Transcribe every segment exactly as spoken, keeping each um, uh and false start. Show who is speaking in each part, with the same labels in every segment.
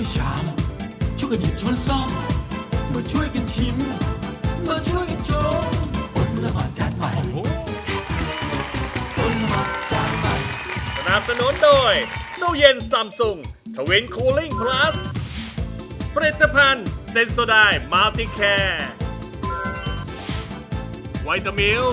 Speaker 1: ชามช่วยกันหยิบช้อนซ่อมมาช่วยกันชิมมาช่วยกันชมอดละหมาดจานใหม่อดละหมาดจานใหม่
Speaker 2: สนับสนุนโดยตู้เย็นซัมซุงทวินคูลิ่งพลัสผลิตภัณฑ์เซนโซไดมัลติแคร์ไวตามิล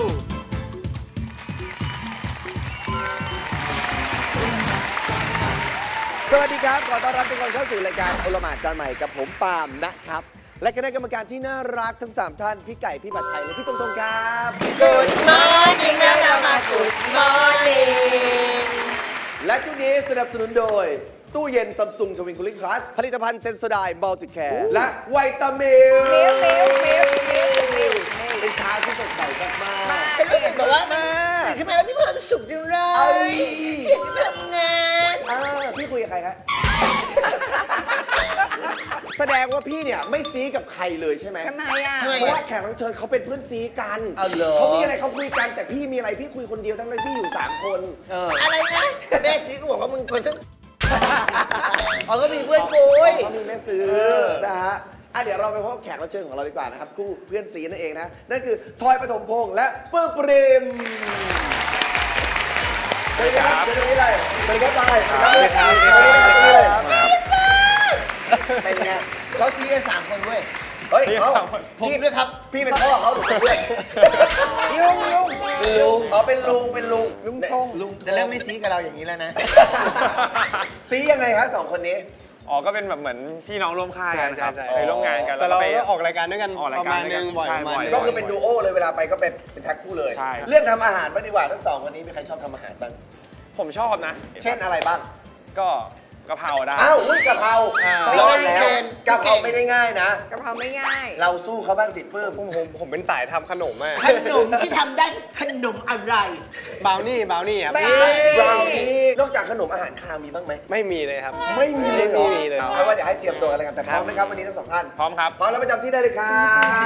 Speaker 3: สวัสดีครับ ขอต้อนรับทุกคนเข้าสู่รายการโอละหมาดจานใหม่กับผมปาล์มนะครับ และคณะกรรมการที่น่ารักทั้ง สาม ท่าน พี่ไก่ พี่ผัดไทย และพี่ตรงๆครับ
Speaker 4: Good morning นะเรามา Good morning
Speaker 3: และช่วงนี้สนับสนุนโดย ตู้เย็นซัมซุงทวินคูลิ่งพลัสผลิตภัณฑ์เซนโซไดมัลติแคร์และไวตามิล
Speaker 4: เร็วเร็วเร็วเร็วเร็ว
Speaker 3: เป็นเช้าที่สดใสมากๆ
Speaker 4: ฉันรู้สึกแบบว่าตื่นขึ้นมาแล้วมีความสุขจังเล
Speaker 3: เอ้
Speaker 4: ย
Speaker 3: ย
Speaker 4: เฉียดจะทำงาน
Speaker 3: อ่าพี่คุยกับใครครับ แสดงว่าพี่เนี่ยไม่ซีกับใครเลยใช่ไหม
Speaker 4: ทำไมอ่ะ
Speaker 3: เพราะว่าแขกรับเชิญเขาเป็นเพื่อนซีกัน
Speaker 4: เอาเหรอ
Speaker 3: เขามีอะไรเขาคุยกันแต่พี่มีอะไรพี่คุยคนเดียวทั้งที่พี่อยู่สามคนเออ
Speaker 4: อะไรนะแม่ซีก็บอกว่ามึงคนซึ่งอ๋อก็มีเพื่อนคุย
Speaker 3: เขามีแม่ซื้อนะฮะอ่ะเดี๋ยวเราไปพบแขกรับเชิญของเราดีกว่านะครับคู่เพื่อนซีนั่นเองนะนั่นคือทอยปฐมพงษ์และเปิ้ลปริมสวัสดีครับสวัสดีเลยสวัสดีครับไปสวัสดีครับสวัสดีครับเป็นไง
Speaker 4: เขาซีกันสามคนเว้ย
Speaker 3: เฮ้ยเอา
Speaker 4: ผมด้วยครับ
Speaker 3: พี่เป็นพ่อเขาหรือเป็นเพื่อน
Speaker 4: ลุงลุง
Speaker 3: ลุงอ๋อเป็นลุงเป็นลุง
Speaker 4: ลุงทงลุงแต่เริ่มไม่ซีกับเราอย่างนี้แล้วนะ
Speaker 3: ซียังไงฮะสองคนนี้
Speaker 5: อ๋อ ก็เป็นแบบเหมือนพี่น้องร่วมค่ายกันครับ
Speaker 6: ใช่ใช่
Speaker 5: เคยร่วมงานกัน
Speaker 6: แต่เรา
Speaker 5: ไป
Speaker 6: ก็ออกรายการด้วยกัน
Speaker 5: ออกราย
Speaker 6: ประ
Speaker 5: การ
Speaker 6: มาณ
Speaker 5: ด้วย
Speaker 6: นึ
Speaker 5: กัน
Speaker 6: งบ่อย
Speaker 5: ใช่
Speaker 6: ประมาณ
Speaker 5: บ่อย
Speaker 6: นึง
Speaker 3: ก็คือเป็นดูโอเลยเวลาไปก็เป็นเป็นแท็กคู่เลย
Speaker 5: ใช่
Speaker 3: เรื่องทำอาหารบ้างดีกว่าทั้งสองคนนี้มีใครชอบทำอาหารบ้าง
Speaker 5: ผมชอบนะ
Speaker 3: เช่นอะไรบ้าง
Speaker 5: ก็กะเพราได้
Speaker 3: อ้าวอุ้ยกะเพรา
Speaker 5: อ่า
Speaker 3: รอดแล้วกะเพราไม่ได้ง่ายนะ
Speaker 4: กะเพราไม่ง่าย
Speaker 3: เราสู้เขาบ้างสิเพิ่ม
Speaker 6: ผมผมผมเป็นสายทำขนมอะ
Speaker 4: ขนมที่ทำได้ขนมอะไร
Speaker 6: บราวนี่บราวนี่ครับ
Speaker 4: บราวนี่
Speaker 3: บราวนี่นอกจากขนมอาหารคาวมีบ้างไหม
Speaker 6: ไม่มีเลยครับ
Speaker 3: ไม่มีเลยเหรอ
Speaker 6: ไม่มีเลย
Speaker 3: เอาว่าเดี๋ยวให้เตรียมตัวกันแล้วกันแต่พร้อมไหมครับวันนี้ทั้งสองท่าน
Speaker 5: พร้อมครับ
Speaker 3: พร้อมแล้วประจำที่ได้เลยครับ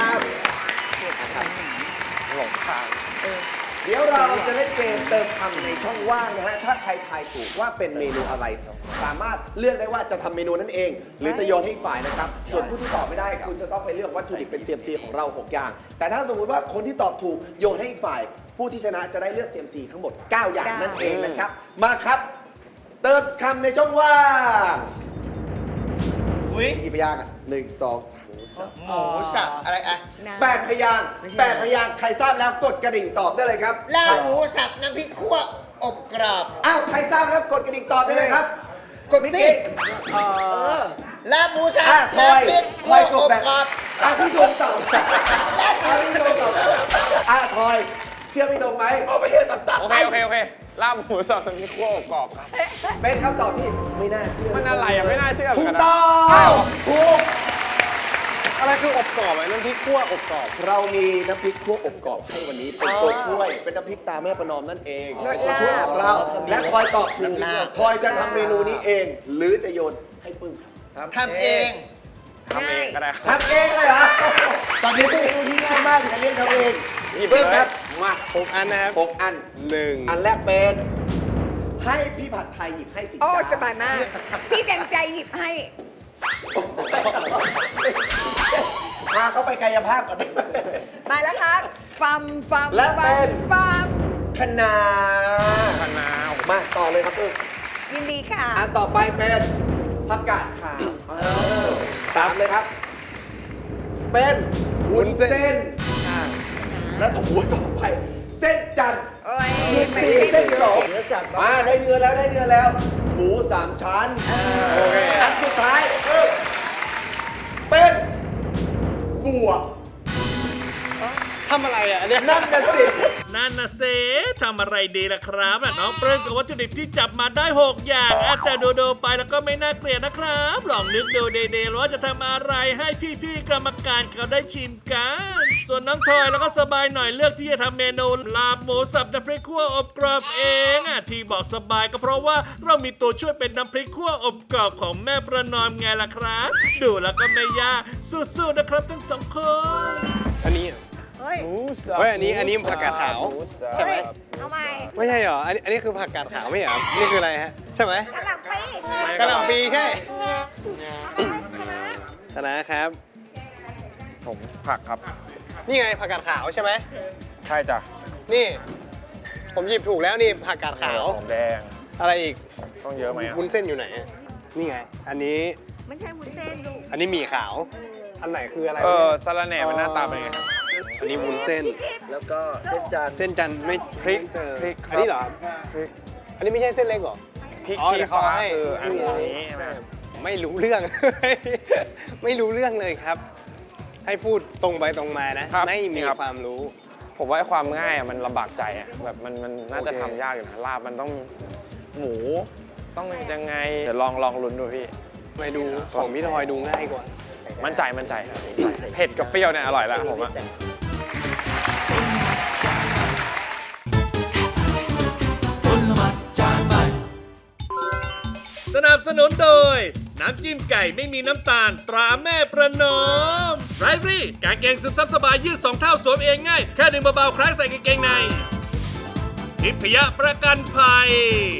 Speaker 5: หลงทาง
Speaker 3: เดี๋ยวเราจะเล่นเกมเติมคำในช่องว่างนะฮะ ถ้าใครทายถูกว่าเป็นเมนูอะไร สามารถเลือกได้ว่าจะทำเมนูนั้นเอง หรือจะโยนให้อีกฝ่ายนะครับ ส่วนผู้ที่ตอบไม่ได้คุณจะต้องไปเลือกวัตถุดิบเป็น ซี เอ็ม ซี ของเรา หก อย่าง แต่ถ้าสมมุติว่าคนที่ตอบถูกโยนให้อีกฝ่าย ผู้ที่ชนะจะได้เลือก ซี เอ็ม ซี ทั้งหมด เก้า อย่างนั่นเองนะครับ มาครับ เติมคำในช่องว่าง
Speaker 4: อุ้ย
Speaker 3: กี่พยางค์อ่ะหนึ่งสอง
Speaker 4: หมูสับอะไรอะ
Speaker 3: แปดพยางค์แปดพยางค์ใครทราบแล้วกดกระดิ่งตอบได้เลยครับ
Speaker 4: ลาบหมูสับน้ำพริกคั่วอบกรอบ
Speaker 3: อ้าว ใครทราบแล้วกดกระดิ่งตอบได้เลยครับ
Speaker 4: กด
Speaker 3: มิก
Speaker 4: สิ
Speaker 3: กี้
Speaker 4: ลาบหมูสับ
Speaker 3: อ่ะคอย
Speaker 4: น้ำพริก
Speaker 3: ค
Speaker 4: คั่ว
Speaker 3: อยก
Speaker 4: อ
Speaker 3: ด
Speaker 4: บ
Speaker 3: แบบ
Speaker 4: กรอบ
Speaker 3: อ่ะพี่ดวงตอบอ่ะพี่ดวงตอบอ่ะคอย เชื่อพี่ดวงไหม
Speaker 4: เอาไปเที่ยวตับ
Speaker 5: โอ
Speaker 4: ๆ
Speaker 5: เค
Speaker 4: ไป
Speaker 5: โอเค โอเค ลาบหมูสับน้ำพริกคั่วอบกรอบครับ
Speaker 3: เป็นคำตอบที่ไม่น่าเชื่อ
Speaker 5: มันอะไรอ่ะไม่น่าเชื่อเหมื
Speaker 3: ถู
Speaker 5: อน
Speaker 3: ก
Speaker 5: กันนะ
Speaker 3: ต้องถูก
Speaker 6: อะไรคืออบกรอบอะน้ำพริกคั่วอบกรอบ
Speaker 3: เรามีน้ำพริกคั่วอบกรอบให้วันนี้เป็นตัวช่วย เป็นน้ำพริกตาแม่ประนอมนั่นเองเป็นตัวช่วยของเรา และคอยตอบถูกคอยจะทำเมนูนี้เอง หรือจะโยนให้ปึ้งครับ
Speaker 4: ทำเอง
Speaker 5: ทำเองก็ได้ครับ
Speaker 3: ทำเองเลยเหรอ ตอนนี้เป็นเมนูที่ง่ายมากอย่าเรียกทำเอง
Speaker 5: หยิบ
Speaker 3: เพิ่ม
Speaker 5: เลย
Speaker 3: ครับ มา
Speaker 6: หกอันนะครับ
Speaker 3: หกอัน
Speaker 6: หนึ่ง
Speaker 3: อันแรกเป็น ให้พี่ผัดไทยหยิบให้สิ
Speaker 7: โอ้
Speaker 3: จ้า
Speaker 7: สบายมาก พี่เต็มใจหยิบให้
Speaker 3: พาเขาไปกายภาพก่อน
Speaker 7: มาแล้วครับฟัมฟัม
Speaker 3: และ
Speaker 7: ฟั
Speaker 3: เป็
Speaker 7: ม
Speaker 3: น
Speaker 7: ฟัม
Speaker 3: คะนา
Speaker 5: มะนาว
Speaker 3: มาต่อเลยครับปึ้ง
Speaker 7: ยินดีค่ะ
Speaker 3: อันต่อไปเป็นผักกาดขาวเออสามเลยครับ เป็นวุ้นเส้นอ่าและโอ้โหต่อไป เส้นจันทร์
Speaker 7: โอ้ย
Speaker 3: อีก
Speaker 7: ไม่
Speaker 3: สี่
Speaker 7: ได้
Speaker 3: เส้นสอง
Speaker 4: เนื้อสับ
Speaker 3: มาได้เนื้อแล้วได้เนื้อแล้ว หมูสามชั้น
Speaker 5: โอเค
Speaker 3: อันสุดท้ายคือเป็นบวก
Speaker 6: ทำอะไรอ่ะอันเนี้ย
Speaker 3: นั่นน่ะสิ
Speaker 2: นั่นนะเซทำอะไรดีล่ะครับอ่ะน้องเปริ้มกับวัตถุดิบที่จับมาได้ หก อย่างอาจจะดูดูๆไปแล้วก็ไม่น่าเกลียดนะครับ ลองนึกดูเดๆว่าจะทำอะไรให้พี่ๆกรรมการเขาได้ชิมกัน ส่วนน้องทอยแล้วก็สบายหน่อยเลือกที่จะทำเมนูลาบหมูสับน้ำพริกคั่วอบกรอบเองอ่ะที่บอกสบายก็เพราะว่าเรามีตัวช่วยเป็นน้ำพริกคั่วอบกรอบของแม่ประนอมไงล่ะครับ ดูแล้วก็ไม่ยากสู้ๆนะครับทั้งสองคน
Speaker 6: อันนี้เหรอ
Speaker 7: เฮ้ย
Speaker 5: หมูสับ
Speaker 6: เฮ้ยอันนี้อันนี้ผักกาดขาว
Speaker 5: หมูสับ
Speaker 6: ใช่ไหม
Speaker 7: เอาใหม่
Speaker 6: ไม่ใช่เหรอ อันนี้อันนี้คือผักกาดขาวไม่ใช่เหรอ นี่คืออะไรฮะ ใช่ไหม
Speaker 7: กระหล่ำปี
Speaker 6: กะหล่ำปีใช่คณะครับ
Speaker 5: ผมผักครับ
Speaker 6: นี่ไงผักกาดขาวใช่ไหม
Speaker 5: ใช่จ้ะ
Speaker 6: นี่ ผมหยิบถูกแล้วนี่ผักกาดขาว
Speaker 5: หอมแดง
Speaker 6: อะไรอีก
Speaker 5: ต้องเยอะไหมอ่ะ
Speaker 6: วุ้นเส้นอยู่ไหน นี่ไง อันนี้
Speaker 7: ไม่ใช่วุ้นเส้นลูก
Speaker 6: อันนี้หมี่ขาว อันไหนคืออะไร
Speaker 5: เอ
Speaker 6: วะ
Speaker 5: อ
Speaker 6: เนี่ย
Speaker 5: สาระแหน่มันหน้าตาเป็นไงครับ
Speaker 6: อันนี้วุ้นเส้น
Speaker 4: แล้วก็เส้นจันทร์
Speaker 6: เส้นจันทร์ไม่
Speaker 5: พริก
Speaker 6: เจอ
Speaker 5: พริกครับ
Speaker 6: อันนี้เหรอ
Speaker 5: พริก
Speaker 6: อันนี้ไม่ใช่เส้นเล็กเหรอ
Speaker 5: พริก
Speaker 6: อ๋อ
Speaker 5: ชี้
Speaker 6: เดี๋ยวเขา
Speaker 5: ฟ้า
Speaker 6: ให้
Speaker 5: คืออันนี้ใช่ไหม
Speaker 6: ไม่รู้เรื่อง ไม่รู้เรื่องเลยครับ ให้พูดตรงไปตรงมานะ
Speaker 5: ครับ
Speaker 6: ไม่มี
Speaker 5: นี่ครับ
Speaker 6: ความรู้
Speaker 5: ผมว่าไอ้ความง่ายอ่ะมันลำบากใจอ่ะแบบมันมันน่าจะ
Speaker 6: โอเค
Speaker 5: ทำยากอยู่นะลาบมันต้องหมูต้องยังไงเดี๋ยวลองลองลุ้นดูพี่
Speaker 6: ไปดูของพี่ทอยดูง่ายกว่า
Speaker 5: มั่นใจมั่นใจครับเผ็ดกับเปรี้ยวเนี่ยอร่อยแล้วผมอ่ะ
Speaker 1: ต้นหมัดจานใหม่
Speaker 2: สนับสนุนโดย น้ำจิ้มไก่ไม่มีน้ำตาลตราแม่ประนอมไรฟรี่กางเกงซึมซับสบายยืดสองเท่าสวมเองง่าย แค่ดึงเบาๆคล้ายใส่กางเกงในทิพยประกันภัย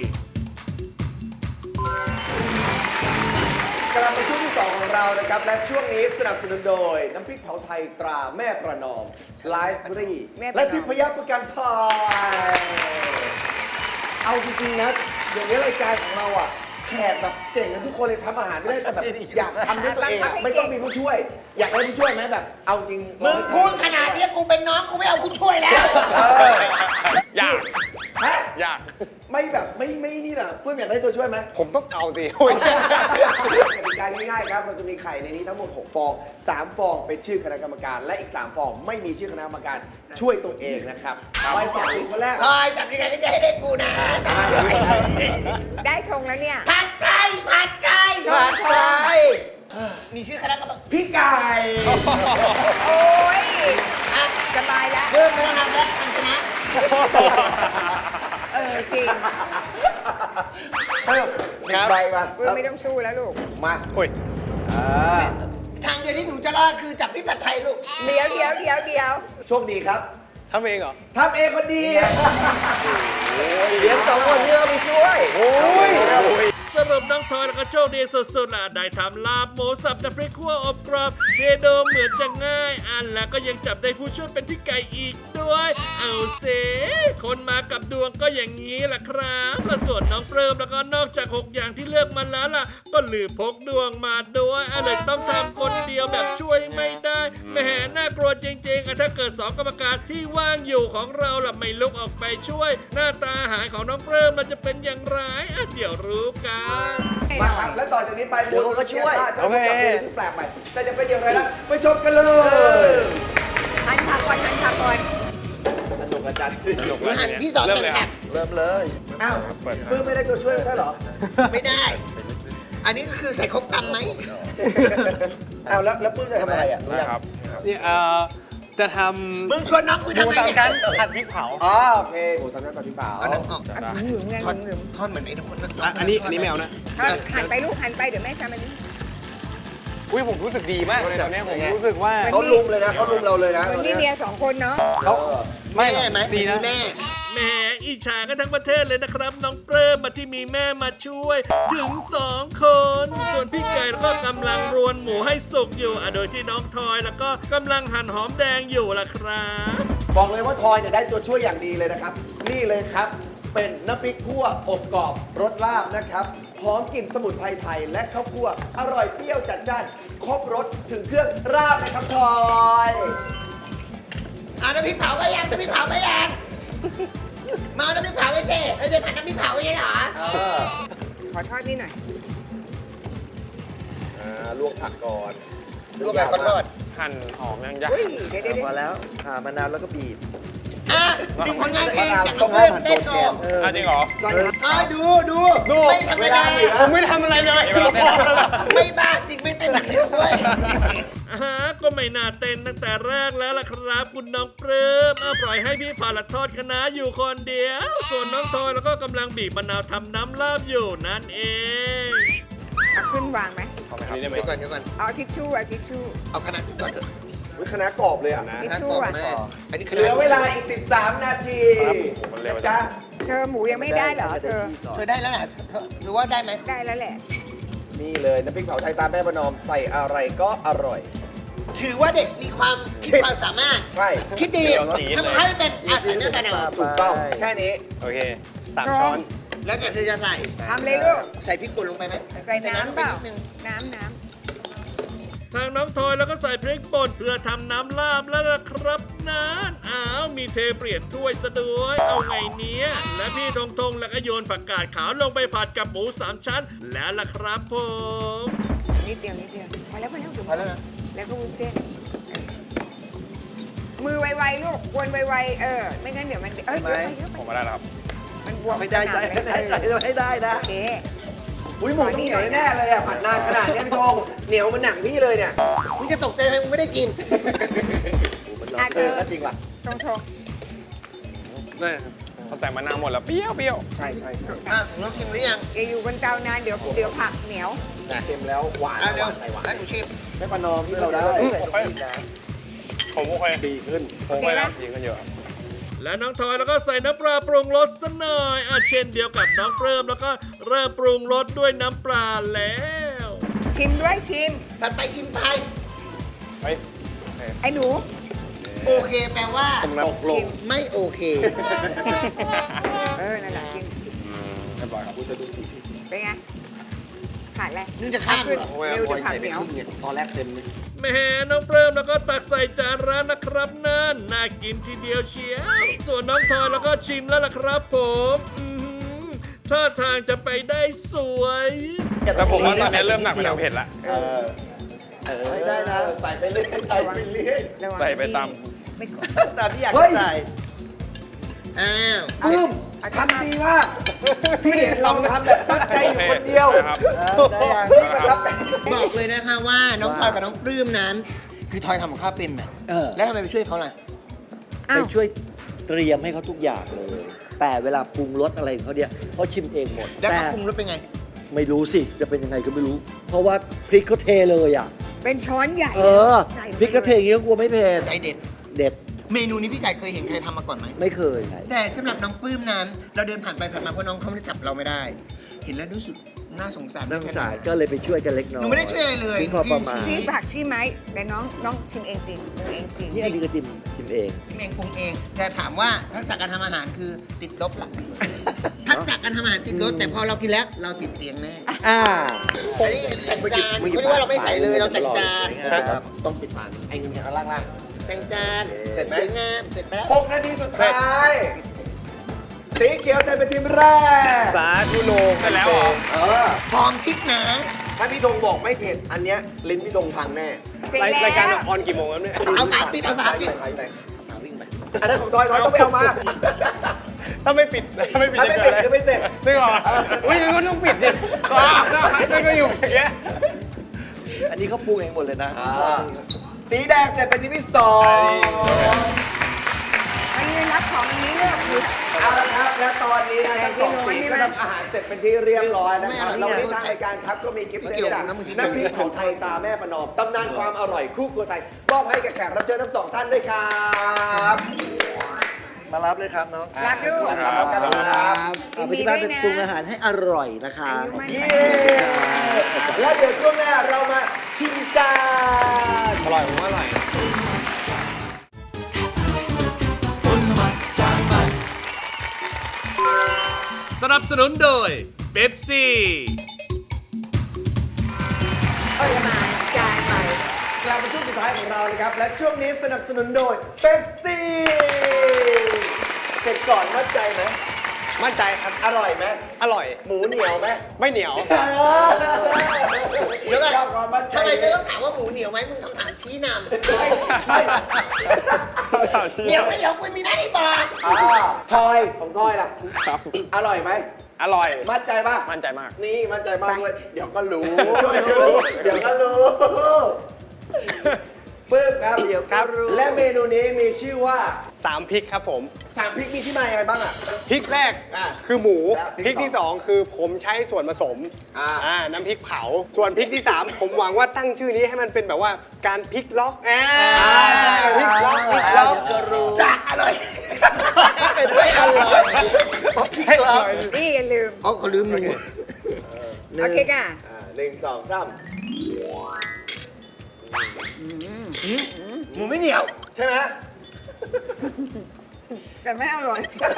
Speaker 3: กลับมาช่วงที่สองของเรานะครับ และช่วงนี้สนับสนุนโดย น้ำพริกเผาไทยตราแม่ประนอมไลฟ์รี
Speaker 7: แม่ประนอม
Speaker 3: และทิพยประกันภัยเอาจริงๆนะเดี๋ยวนี้รายการของเราอ่ะแขกแบบเก่งกันทุกคนเลยทำอาหารไม่ได้แต่แบบอยากทำด้วยตัวเองอะไม่ต้องมีผู้ช่วย อยากได้ผู้ช่วยไหมแบบ เอาจริง
Speaker 4: มึงพูดขนาดนี้กูเป็นน้องกูไม่เอากูช่วยแล้ว
Speaker 3: เออ
Speaker 5: อยาก
Speaker 3: ฮะ
Speaker 5: อยาก
Speaker 3: ไม่แบบไม่ไม่นี่นะเพื่อนอยากได้ตัวช่วยไหม
Speaker 6: ผมต้องเอาสิ
Speaker 3: กติกาง่ายๆครับเราจะมีไข่ในนี้ทั้งหมดหกฟองสามฟองเป็นชื่อคณะกรรมการ และอีกสามฟองไม่มีชื่อคณะกรรมการช่วยตัวเองนะครับไปต่อที่คนแรก
Speaker 4: ทอยจับยังไงก็จะให้ได้กูนะ
Speaker 7: ได้ธงแล้วเนี่ย
Speaker 4: ผัดไก่ผัดไก่
Speaker 7: ผัดไก่
Speaker 4: มีชื่อคณะกรรมการ
Speaker 3: พี่ไก่
Speaker 7: โอ้ย
Speaker 4: อ่ะ
Speaker 7: สบายแล้ว
Speaker 4: เริ่มไม่ต้องทำแล้วทำชนะ
Speaker 7: เออจริง
Speaker 3: เพิ่มหนึ่งใบมา
Speaker 7: เออไม่ต้องสู้แล้วลูก
Speaker 3: มา
Speaker 6: โอ้ย
Speaker 3: อ่า
Speaker 4: ทางเดียวที่หนูจะรอดคือจับพี่ผัดไทยลูก
Speaker 7: เดี๋ยวเดี๋ยวเดี๋ยวเดี๋ยว
Speaker 3: โชคดีครับ
Speaker 6: ทำเองเหรอ
Speaker 3: ทำเองคนดี
Speaker 4: เดี๋ยวสองคนที่เราไปช่วย
Speaker 3: โอ้ย
Speaker 2: สรุปน้องทอยแล้วก็โชคดีสุดๆล่ะได้ทำลาบหมูสับน้ำพริกขั่วอบกรอบเดโดเหมือนจะง่าย อันแล้วก็ยังจับได้ผู้ช่วยเป็นพี่ไก่อีกด้วย เอาเซคนมากับดวงก็อย่างนี้ล่ะครับและส่วนน้องเปริมแล้วก็นอกจากหกอย่างที่เลือกมาแล้วล่ะ ก็ลืมพกดวงมาด้วยอันเลยต้องทำคนเดียวแบบช่วยไม่ได้แหมน่ากลัวจริงๆอ่ะถ้าเกิดสองกรรมการที่ว่างอยู่ของเราล่ะไม่ลุกออกไปช่วย หน้าตาอาหารของน้องเปริมมันจะเป็นอย่างไรอ่ะเดี๋ยวรู้กัน
Speaker 3: มาครับ และต่อจากนี้ไป
Speaker 4: เดี๋ยวเขาก็ช่วย
Speaker 3: จะต้องจับเมนูที่แปลกใหม่แต่จะเป็นอย่างไรนะไปชมกันเลย
Speaker 7: หันขาก่อนหันขาก่อน
Speaker 3: สนุกอาจารย์
Speaker 5: สนุกแล้ว
Speaker 4: หัน
Speaker 5: ที
Speaker 4: พี่
Speaker 5: เนี้ย
Speaker 4: สอน
Speaker 5: เริ่ม
Speaker 4: แต่
Speaker 5: เลย
Speaker 4: แบ
Speaker 5: ครับ
Speaker 4: บ
Speaker 3: เริ่มเลย อ้าว
Speaker 5: เปิด
Speaker 3: ปื้มไม่ได้ตัวช่วยใช่เหรอ
Speaker 4: ไม่ได้ อันนี้ก็คือใส่ครบตำไหม
Speaker 3: อ้าวแล้วแล้วปื้มจะทำอะไรอ่ะ
Speaker 5: ได้ครับ
Speaker 6: นี่เอ่อ จะท
Speaker 4: มึงชวนน้องกู
Speaker 6: ำห
Speaker 4: ทำ
Speaker 6: มู
Speaker 4: ไม
Speaker 6: สาม
Speaker 4: เนี่ย
Speaker 6: ชั้นผัดพริกเผา
Speaker 3: อ๋อโอเคหมูทำหน้าตาพี่เปล่า
Speaker 4: เอาหนังออก
Speaker 5: ได้
Speaker 7: หึงไง
Speaker 4: ท่อน
Speaker 7: หึง
Speaker 4: ท่อนเหมือนไอ้ทุกคน
Speaker 6: อ่ะอันนี้อันนี้ไม่เอานะ
Speaker 7: หันไปลูกหันไปเดี๋ยวแม่ทำอันนี้
Speaker 6: อุ้ยผมรู้สึกดีมากเลยตอนเนี้ยผมรู้สึกว่า
Speaker 3: เขาลุมเลยนะเขาลุมเราเลยนะ
Speaker 7: คน
Speaker 3: ตอน
Speaker 7: นี้
Speaker 3: เนี้ย
Speaker 7: เมียสองคนเนาะ
Speaker 6: เขาไม่หร
Speaker 4: แม่
Speaker 6: อก
Speaker 4: ไหม
Speaker 6: ดีนะ
Speaker 4: แม่
Speaker 2: แหมอิจฉากันทั้งประเทศเลยนะครับ น้องเปริมมาที่มีแม่มาช่วย ถึงสองคน ส่วนพี่ไก่แล้วก็กำลังรวนหมูให้สุกอยู่อ่ะโดยที่น้องทอยแล้วก็กำลังหั่นหอมแดงอยู่ล่ะครับ
Speaker 3: บอกเลยว่าทอยเนี่ยได้ตัวช่วยอย่างดีเลยนะครับ นี่เลยครับ เป็นน้ำพริกคั่วอบกรอบรสลาบนะครับหอมกลิ่นสมุนไพรไทยและข้าวคั่วอร่อยเปรี้ยวจัดจ้านครบรสถึงเครื่องราบนะครับทอย
Speaker 4: เอาน้ำพริกเผาไปยังน้ำพริกเผาไปยังมาเอาน้ำพริกเผาไปเจ๊เราจะผัดน้ำพริกเผาไม่ใช่เหรอ
Speaker 3: เออ
Speaker 7: ขอทอดนี่หน่อย
Speaker 3: อ่าลวกผักก่อน
Speaker 4: ลวกแบบก้อนทอด
Speaker 5: หั่นหอมยังยาก
Speaker 7: อุ้ยเดี๋ยวเดี๋ยวเดี๋ยว
Speaker 3: พอแล้วอ่ามะนาวแล้วก็บีบ
Speaker 4: อ่ะมีผลงานเพลงจากน้องเพื่อนเต้นโชว์
Speaker 5: อ่ะจริงเหรอ
Speaker 4: อ่ะดูดูดูไม่ธรรมดา
Speaker 6: ผมไม่ทำอะไรเลย
Speaker 5: เวลาเต้น
Speaker 4: ไม่บ้าจริงไม่เต้นแบบนี้ด้วย
Speaker 2: อาฮะก็ไม่น่าเต้นตั้งแต่แรกแล้วล่ะครับคุณน้องเปริมเอาปล่อยให้พี่ผ่าละทอดคะน้าอยู่คนเดียว ส่วนน้องทอยแล้วก็กำลังบีบมะนาวทำน้ำลาบอยู่นั่นเอง
Speaker 7: เอาขึ้นวางไหม
Speaker 6: อันนี้ได้ไหม
Speaker 4: เดี๋ยวก่อนเดี๋ยวก่อน
Speaker 7: เอาทิชชู่เอาทิชชู่
Speaker 4: เอาขนาดก่อนเถอะ
Speaker 3: วิคณะกรอบเลยอ่ะ
Speaker 7: ทิช
Speaker 4: ขนาด
Speaker 7: ชู่
Speaker 4: ก่อน
Speaker 7: อ่ะ
Speaker 4: แม่อันนี้ข
Speaker 3: เห
Speaker 4: นา
Speaker 3: ลื
Speaker 4: ด
Speaker 3: อเวลาอีก สิบสาม นาที
Speaker 5: ครับโอ้โหมันเร็วจัง
Speaker 3: จ้ะ
Speaker 7: เธอหมูยังไม่ได้เหรอเธอ
Speaker 4: เธอได้แล้วแหละเธอหรือว่าได้ไหม
Speaker 7: ได้แล้วแหละ
Speaker 3: นี่เลยน้ำพริกเผาไทยตาแม่ประนอมใส่อะไรก็อร่อย
Speaker 4: ถือว่าเด็กมีความคิดความสามารถ
Speaker 3: ใช่
Speaker 4: คิดดี
Speaker 5: เดี๋ยวสี
Speaker 4: ทำให้เป็นอาสาเนื้อกันเอา
Speaker 3: ถูกต้องแค่นี้
Speaker 5: โอเคสามช้อน
Speaker 4: แล้วเดี๋ยวเธอจะใส่
Speaker 7: ทำเลยลูก
Speaker 4: ใส่พริกป่นลงไปไหม
Speaker 7: ใส่น้ำเปล่า
Speaker 4: ใส่นิดนึง
Speaker 7: น้ำน้
Speaker 2: ทางน้องทอยแล้วก็ใส่พริกป่นเพื่อทำน้ำลาบแล้วล่ะครับนะอ้าวมีเทเปลี่ยนถ้วยซะด้วยเอาไงเนี้ยและพี่ทงทงแล้วก็โยนผักกาดขาวลงไปผัดกับหมูสามชั้นแล้วล่ะครับผม
Speaker 7: ำนิดเดียวนิดเดียวพอแล้วพอแล้วเดี๋ยว
Speaker 4: พอแล้วนะ
Speaker 7: แล้วก็วุ้นเส้นมือไวๆลูกวนไวๆเออ ไม่งั้นเดี๋ยวมันเอ้ยเยอะไปเยอะไป
Speaker 5: ผมมาได้แล้วครับ
Speaker 7: มันบวม
Speaker 3: ไม่ได้ใจ
Speaker 7: ขนา
Speaker 3: ไม่ได้ใจ
Speaker 7: นั้นเลย
Speaker 3: ไม่ได้นะ
Speaker 7: โอเค
Speaker 3: อุ้ยหมูต้องเหนียวแน่ๆเลยอ่ะผัดนานขนาดนี้พี่ทงเหนียวมันหนังพี่เลยเนี่ย
Speaker 4: มึงจะตกใจไหมมึงไม่ได้กิน
Speaker 3: มันร้อนเออก็จริงว่ะ
Speaker 7: ตรงโชว์
Speaker 5: นี่เขาใส่มะนาวหมดแล้วเปรี้ยวเปรี้ยว
Speaker 3: ใช่ใช่ใช่
Speaker 4: อ่ะน้องชิมหรือยัง
Speaker 7: อย่าอยู่บนเตานานเดี๋ยวเดี๋ยวผักเหนียว
Speaker 3: เค็มแล้วหวาน
Speaker 4: อ่ะเดี๋ยว
Speaker 3: ใส่หวาน
Speaker 4: ให้หนูชิม
Speaker 3: แม่ประนอมที่เราได้
Speaker 5: ผมโอเค
Speaker 3: ดีขึ้น
Speaker 5: ผมโอเคแล้วดีขึ้นเยอะครับ
Speaker 2: และน้องทอยแล้วก็ใส่น้ำปลาปรุงรสซะหน่อยอ่ะเช่นเดียวกับน้องเพิ่มแล้วก็เริ่มปรุงรสด้วยน้ำปลาแล้ว
Speaker 7: ชิมด้วยชิม
Speaker 4: ถัดไปชิมไป
Speaker 5: เฮ้ย
Speaker 7: ไอ้หนู
Speaker 4: โอเคแปลว่า
Speaker 3: ตกลง
Speaker 4: ไม่โอเค
Speaker 7: เออ นั่นแหละกิน
Speaker 5: เรียบร้อยครับ
Speaker 7: เป็นไง ขาดอะไร
Speaker 4: มึงจะข้ามเหรอ
Speaker 7: เร็วเดี๋ยวผักเหนียว
Speaker 3: ตอนแรกเต็มเลย
Speaker 2: แหม่น้องเพิ่มแล้วก็ตักใส่จานร้านนะครับนั่นน่ากินทีเดียวเชียวส่วนน้องทอยแล้วก็ชิมแล้วล่ะครับผมอื้อหือท่าทางจะไปได้สวย
Speaker 5: แต่ผมว่าตอนนี้เริ่มหนักไปทางเผ็ดละ
Speaker 3: เออเออได้นะใส่ไปเรื่อยใส่ไปเรื่อย
Speaker 7: ระวัง
Speaker 5: ใส่ไปตาม
Speaker 7: ไม่กด
Speaker 3: ตามที่อยากใส่
Speaker 4: อ้าว
Speaker 3: ปึ้มทำดีมากพี่เห็นเราทำแบบตั้งใจอยู่คนเดียว
Speaker 5: ครับ
Speaker 3: พี่ประทับใจ
Speaker 4: บอกเลยนะคะว่าน้องทอยกับน้องปลื้มนั้น คือทอยทำกับข้าวเป็นน่ะ
Speaker 8: เออ
Speaker 4: แล้วทำไมไปช่วยเขาล่ะ
Speaker 7: อ้า
Speaker 8: ไป
Speaker 7: ว
Speaker 8: ช่วยเตรียมให้เขาทุกอย่างเลย แต่เวลาปรุงรสอะไรของเขาเนี่ยเขาชิมเองหมด
Speaker 4: แล้ว
Speaker 8: แต่
Speaker 4: เขาปรุงรสเป็นไง
Speaker 8: ไม่รู้สิ จะเป็นยังไงก็ไม่รู้ เพราะว่าพริกเขาเทเลยอ่ะ
Speaker 7: เป็นช้อนใหญ่
Speaker 8: เออ
Speaker 7: ใส่
Speaker 8: พริกเขาเทอย่างนี้ก็กลัวไม่เผ็ด
Speaker 4: ใจเด็ด
Speaker 8: เด็ด
Speaker 4: เมนูนี้พี่ไก่เคยเห็นใครทำมาก่อนไหม
Speaker 8: ไม่เคยไง
Speaker 4: แต่สำหรับน้องปลื้มนั้น เราเดินผ่านไปผ่านมาเพราะน้องเขาไม่ได้จับเราไม่ได้ เห็นแล้วรู้สึกน่าสงสาร
Speaker 8: นักศึกษาก็เลยไปช่วยกันเล็กน้อย
Speaker 4: หนูไม่ได้ช่วยอะไรเลย
Speaker 8: ทิ้งพอประมาณ
Speaker 7: ชี้ผักชี้ไม้แต่น้องน้องชิมเองจริงปรุงเองจริง
Speaker 8: นี่อันนี้ก็จิ้มชิมเอง
Speaker 4: ชิมเองปรุงเอง แต่ถามว่าทักษะการทำอาหารคือติดลบหลักทักษะการทำอาหารติดลบแต่พอเรากินแล้วเราติดเตียงแน่
Speaker 8: อ่า
Speaker 4: อันนี้แต่งจานไม่ใช่ว่าเราไม่ใส่เลยเราแต่งจาน
Speaker 3: ครับต้องปิดฝาไอ้เงินจากล่าง
Speaker 4: แต่งจาน
Speaker 3: เสร็จไหม
Speaker 4: สวยงามเสร็จไปแล้ว
Speaker 3: ๆหกนาทีสุดท้าย สีเขียวใส่เป็นทีมแรก
Speaker 5: สาธุโลไปแล้วเหรอ
Speaker 3: เออ
Speaker 4: หอมพริกนะ
Speaker 3: ถ้าพี่ธงบอกไม่เผ็ด อันเนี้ยลิ้นพี่ธงพังแน่
Speaker 7: เสร็จ
Speaker 5: ราย
Speaker 7: แล้ว
Speaker 5: รายการออนกี่โมงครับเนี่ย
Speaker 4: เอาฝาปิดเอาฝาปิด
Speaker 3: ไปไปวิ่งไปอันนั้นของทอยทอยต้องไปเอามา
Speaker 5: ถ้าไม่ปิดถ้าไม่ปิด
Speaker 3: ถ้า
Speaker 5: จะ
Speaker 3: ไม่
Speaker 5: เกิด อะไร
Speaker 3: ปิดคือไม่เสร็จ
Speaker 5: จริงเหรออุ้ยงั้นก็ต้องปิดดิว้าวนั่นก็อยู่อย่างเงี้ย
Speaker 8: อันนี้เขาปรุงเองหมดเลยนะ
Speaker 3: อ่าสีแดงเสร็จเป็นทีมที่สอง
Speaker 7: มายืนรับของอันนี้เลือกคือ
Speaker 3: เอาละครับ และตอนนี้นะทั้งสองสีก็ทำอาหารเสร็จเป็นที่เรียบร้อยนะครับเราที่ทางรายการครับก็มีกิฟต์เซตจากน้ำพริกเผาไทยตาแม่ประนอมตำนานความอร่อยคู่ครัวไทยมอบให้กับแขกรับเชิญทั้งสองท่านด้วยครับ
Speaker 8: มารับเลยครับน้อง
Speaker 7: รับลูก
Speaker 3: ครับครับ
Speaker 8: เอาไปที่บ้านเป็นปรุงอาหารให้อร่อยนะคะ
Speaker 7: อายุมั่น
Speaker 3: เย้แล้วเดี๋ยวช่วงหน้าเรามาชิมกัน
Speaker 5: อร่อยผมว่าอร่อย
Speaker 2: สนับสนุนโดยเบปซี่
Speaker 7: เออมาจานใหม่
Speaker 3: กลับมาช่วงสุดท้ายของเรานะครับ และช่วงนี้สนับสนุนโดยเบปซี่เสร็จก่อนมั่นใจไหม
Speaker 5: มั่นใจครับ
Speaker 3: อร่อยไหม
Speaker 5: อร่อย
Speaker 3: หมูเหนียวไหม
Speaker 5: ไม่เหนียว
Speaker 4: เดี๋ยวก่อน
Speaker 3: ชอบความมั่นใจ
Speaker 4: ทำไมเธอต้องถามว่าหมูเหนียวไหมมึงคำถามชี้นำ
Speaker 3: ไม่
Speaker 4: เหนียวไม่เหนียวกูมีหน้าที่บอก
Speaker 3: อ่าทอยของทอยล่ะ
Speaker 5: ครับ
Speaker 3: อร่อยไหม
Speaker 5: อร่อย
Speaker 3: มั่นใจป่ะ
Speaker 5: มั่นใจมาก
Speaker 3: นี่มั่นใจมากด้วยเดี๋ยวก็รู้
Speaker 5: เดี๋ยวก็รู้
Speaker 3: เดี๋ยวก็รู้ปึ๊บครับเดี๋ยวก็รู้และเมนูนี้มีชื่อว่า
Speaker 5: สามพริกครับผม
Speaker 3: สามพริกมีที่มายังไงบ้างอ่ะ
Speaker 5: พริกแรก
Speaker 3: อ่ะ
Speaker 5: คือหมู
Speaker 3: และพ
Speaker 5: พ
Speaker 3: ริ
Speaker 5: ริ
Speaker 3: ก
Speaker 5: กที่
Speaker 3: สอง
Speaker 5: สองคือผมใช้ส่วนผสม
Speaker 3: อ่า
Speaker 5: อ่าน้ำพริกเผา ส่วนพริกที่สาม ผมหวังว่าตั้งชื่อนี้ให้มันเป็นแบบว่าการพริกล็อกอ่าพริกล็อกพริกล็อก
Speaker 3: เดี๋ยวก็รู้
Speaker 4: จะอร่อย
Speaker 5: เป็นไม่อร่อยให้อร่อย
Speaker 7: นี่อย่าลืม
Speaker 4: อ๋อเขาลืมหมู
Speaker 7: โอเคค่ะ
Speaker 3: อ่าหนึ่งสองสาม
Speaker 4: หมูไม่เหนียว
Speaker 3: ใช่ไหม
Speaker 7: แต่ไม่อร่อย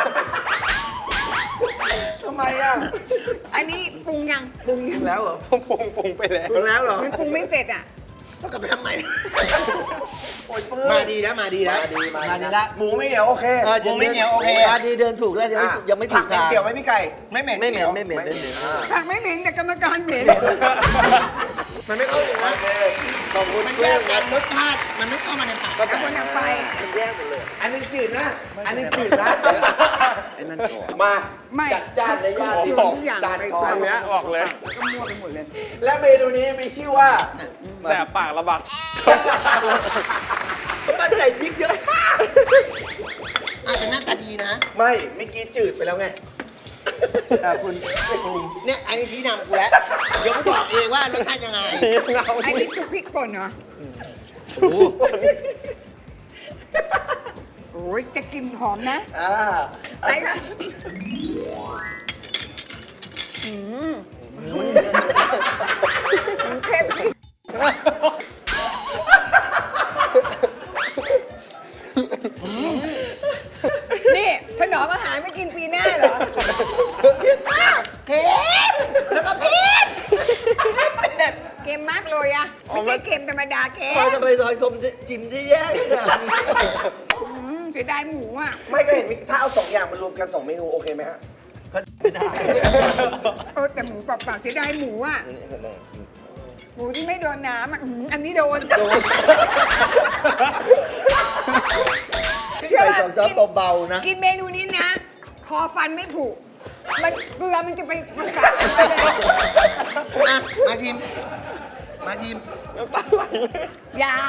Speaker 3: ทำไมอ่ะ
Speaker 7: อันนี้ปรุงยังปรุงยัง
Speaker 3: แล้วเหรอ
Speaker 6: ผมปรุงปรุงไปแล้ว
Speaker 3: ปรุงแล้วเหรอ
Speaker 7: มันปรุงไม่เสร็จอ่ะ
Speaker 4: ต้องกลับไปทำใหม่
Speaker 3: โอ้ยปื้ม
Speaker 4: มาดีนะมาดีนะ
Speaker 3: มาดีมา
Speaker 8: มาดี
Speaker 3: ดี
Speaker 8: ละ
Speaker 3: หมูไม่เหนียวโอเค
Speaker 8: เออ
Speaker 4: หมูไม่เหนียวโอเค
Speaker 8: มาดีเดินถูกแล้วยังไม่
Speaker 3: อ่ะ
Speaker 8: ยังไม่ถูก
Speaker 3: ผั
Speaker 8: ทาง
Speaker 3: เกี่ยวไหมพี่ไก่
Speaker 4: ไม่เหม็น
Speaker 8: ไม่เหม็นไม่เหม็นไม่เหม็น
Speaker 7: ผักไม่เหม็นแต่กรรมการเหม็น
Speaker 4: มันไม่เข้าถึงนะ
Speaker 3: ขอบคุณ
Speaker 4: มัน
Speaker 3: เพื่
Speaker 4: แย
Speaker 3: อน
Speaker 4: กกันรสชาติมันไม่เข้ามาในปาก
Speaker 7: แล้วคนทำไป
Speaker 3: มันแยกหมดเลย อันนึงจืดนะ อันนึงจืดนะ
Speaker 8: ไอ้นั่นก่อน
Speaker 3: มา
Speaker 7: ไม่
Speaker 3: จัดจ้านในย่านดี
Speaker 7: ทุกอย่าง
Speaker 3: จาน
Speaker 7: ไป
Speaker 3: ทอง
Speaker 7: ตาม
Speaker 6: เนี้ยออกเลย
Speaker 7: ก็มั่วไปหมดเลย
Speaker 3: และเมนูนี้มีชื่อว่า
Speaker 6: แสบปากระบัก
Speaker 3: มั่นใจพริกเยอะ
Speaker 4: อาจจะหน้าตาดีนะ
Speaker 3: ไม่เมื่อกี้จืดไปแล้วไง
Speaker 8: อ่ะคุณ
Speaker 4: เนี่ยอันนี้ชี้นำกูแล้ว เดี๋ยวกูบอกเองว่ารสชาติยังไง
Speaker 7: อันนี้ซุปพริกป่นเหรอ
Speaker 4: โอ้
Speaker 7: โอ้ยจะกลินหอมนะ
Speaker 3: อ่า
Speaker 7: ไปค่ะอืมมันเข้มนี่ถนอมอาหารไม่กินปีหน้าเหรอ
Speaker 4: เผ็ดแล้วก็เผ็ด
Speaker 7: เค็มมากเลยอะไม่ใช่เค็มธรรมดาเค็ม
Speaker 8: พอจะไปซอยชมจิมที่แย่ขนาดนี้
Speaker 7: อืมเสียดายหมูอะ
Speaker 3: ไม่ก็เห็นมีถ้าเอาสองอย่างมารวมกันสองเมนูโอเคไหมฮะ
Speaker 8: ไม่ได้
Speaker 7: เออแต่หมูเปล่าๆเสียดายหมูอะหมูที่ไม่โดนน้ำอะอืมอันนี้โดน เชื่อ
Speaker 8: ไป
Speaker 7: ว่า
Speaker 8: สองช้อน
Speaker 7: กิน
Speaker 8: เบาๆนะ
Speaker 7: กินเมนูนี้นะ คอฟันไม่ผุมันเกลือมันจะไปรักษา
Speaker 4: อ่ะ มาทีม มาทีม
Speaker 7: ยา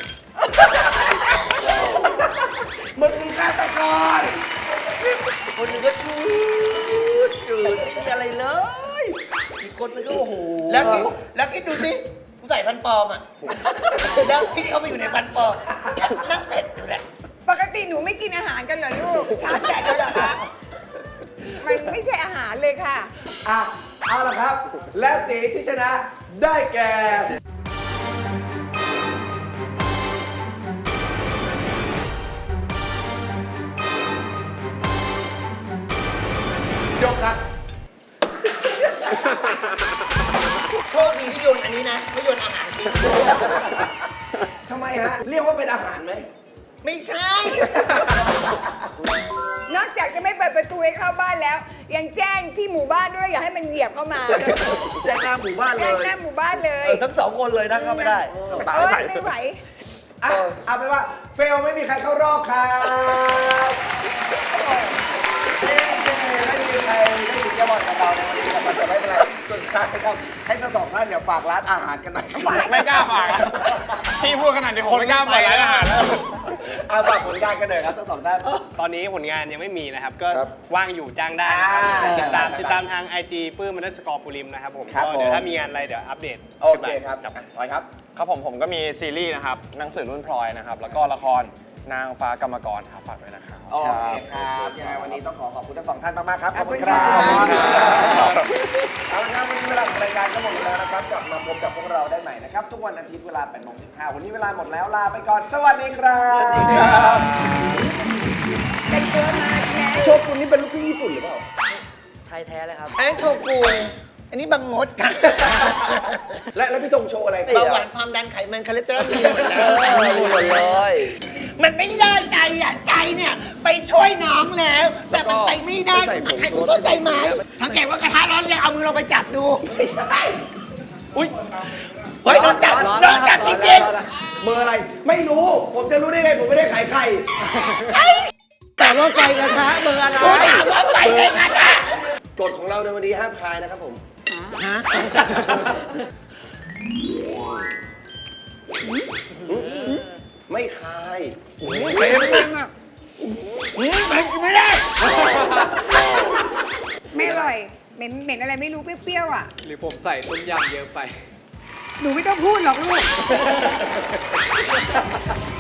Speaker 3: มึงมีฆาตกร
Speaker 8: คนหนึงก็ชูดจืดไม่มีอะไรเลย อีกคนนึงก็โอ้โห
Speaker 4: แล้วคิดแล้วคิดดูสิกูใส่ฟันปลอมอ่ะ แล้วคิดเข้าไปอยู่ในฟันปลอมนั่งเป็ดอยู่แหละ
Speaker 7: ปกติหนูไม่กินอาหารกันเหรอลูกชาร์จแจกแล้วเหรอคะมันไม่ใช่อาหารเลยค่ะ
Speaker 3: อ่ะ เอาละครับ และสีที่ชนะได้แก่ ยกครับ
Speaker 4: โชคดีที่โยนอันนี้นะ ไม่โยนอาหารจริง
Speaker 3: ทำไมฮะ เรียกว่าเป็นอาหารไหม
Speaker 4: ไม่ใช่
Speaker 7: นอกจากจะไม่เปิดประตูให้เข้าบ้านแล้ว ยังแจ้งที่หมู่บ้านด้วยอย่าให้มันเหยียบเข้ามา
Speaker 8: แจ้งหน้าหมู่บ้านเล
Speaker 7: แจ้ง
Speaker 8: ย
Speaker 7: หน้าหมู่บ้านเลย
Speaker 8: เออทั้งสองคนเลยนะเข้าไม่ได้
Speaker 7: เออไม่ไหว
Speaker 3: อ่ะ เอาเป็นว่า เฟลไม่มีใครเข้ารอบครับเย้ไม่มีใครได้ยินแก้บอลกับเราในวันนี้นะครับแต่ไม่เป็นไรสุดท้ายครับให้ทั้งสองท่านเนี่ยฝากร้านอาหารกันหน่อยครับ
Speaker 6: ไม่กล้าฝากที่พูดขนาดนี้คนไม่กล้าไปร้านอาหารแล้ว
Speaker 3: เอาฝากผลงานกันหน่อยครับทั้งสองท่าน
Speaker 6: ตอนนี้ผลงานยังไม่มีนะครับ ก็
Speaker 3: ครับ
Speaker 6: ว่างอยู่จ้างได้นะครับ
Speaker 3: อ่า
Speaker 6: ติดตามติดตามทาง ไอ จี ปื้มมันสกอร์ปูริมนะครับผม
Speaker 3: ครับ
Speaker 6: ก็เดี๋ยว
Speaker 3: ผม
Speaker 6: ถ้ามีงานอะไรเดี๋ยวอัปเดต
Speaker 3: โอเคครับต่อยครับ
Speaker 9: ครับผมผมก็มีซีรีส์นะครับหนังสือรุ่นพลอยนะครับ แล้วก็ละครนางฟ้ากรรมกรครับฝากด้วยนะครับ
Speaker 3: โอเคครับยังไงวันนี้ต้องขอขอบคุณทั้งสองท่านมากๆครับ ขอบคุณค
Speaker 7: ข
Speaker 3: รั
Speaker 7: อบคุณครับ บ
Speaker 3: เอาละครับวันนี้เวลาของรายการก็หมดแล้วนะครับ กลับมาพบกับพวกเราได้ใหม่นะครับ ทุกวันอาทิตย์เวลาแปดโมงสิบห้าวันนี้เวลาหมดแล้วลาไปก่อน สวัสดีครับ
Speaker 8: สวัสดีครับ
Speaker 7: เป็นตัวมาแค่
Speaker 3: โชกุนนี่เป็นลูกครึ่งญี่ปุ่นหรือเปล่า
Speaker 8: ไทยแท้เลยครับ
Speaker 4: อันนั้นโชกุนอันนี้บังมดค่ะ
Speaker 3: และแล้วพี่ธงโชว์อะไร
Speaker 4: เบาหวานความดันไขมันคอเลสเตอรอลมีหมดแล้ว
Speaker 8: มีหมดเลย
Speaker 4: มันไม่ได้ใจอ่ะ ใจเนี่ย ไปช่วยน้องแล้ว แต่มันไปไม่ได้
Speaker 8: ใส่ผง
Speaker 4: ให้คุณเข้าใจไหมถ้าแกว่ากระทะร้อนเลยเอามือเราไปจับดู
Speaker 3: อุ้ย
Speaker 4: เฮ้ยโดนจับโดนจับจริงๆ
Speaker 3: เบอร์อะไร ไม่รู้ ผมจะรู้ได้ไง ผมไม่ได้ขายไข่
Speaker 4: แต่ว่าไฟกระทะเบอร์อะไรถามว่าไฟในกระทะ
Speaker 3: กฎของเราในวันนี้ห้ามคายนะครับผม
Speaker 4: ฮะ
Speaker 3: ไม่คาย
Speaker 7: เค็มอะ
Speaker 4: ไม่ได้
Speaker 7: ไม่อร่อย เหม็นเหม็นอะไรไม่รู้เปรี้ยวๆอ่ะ
Speaker 6: หรือผมใส่ต้มยำเยอะไป
Speaker 7: หนูไม่ต้องพูดหรอกลูก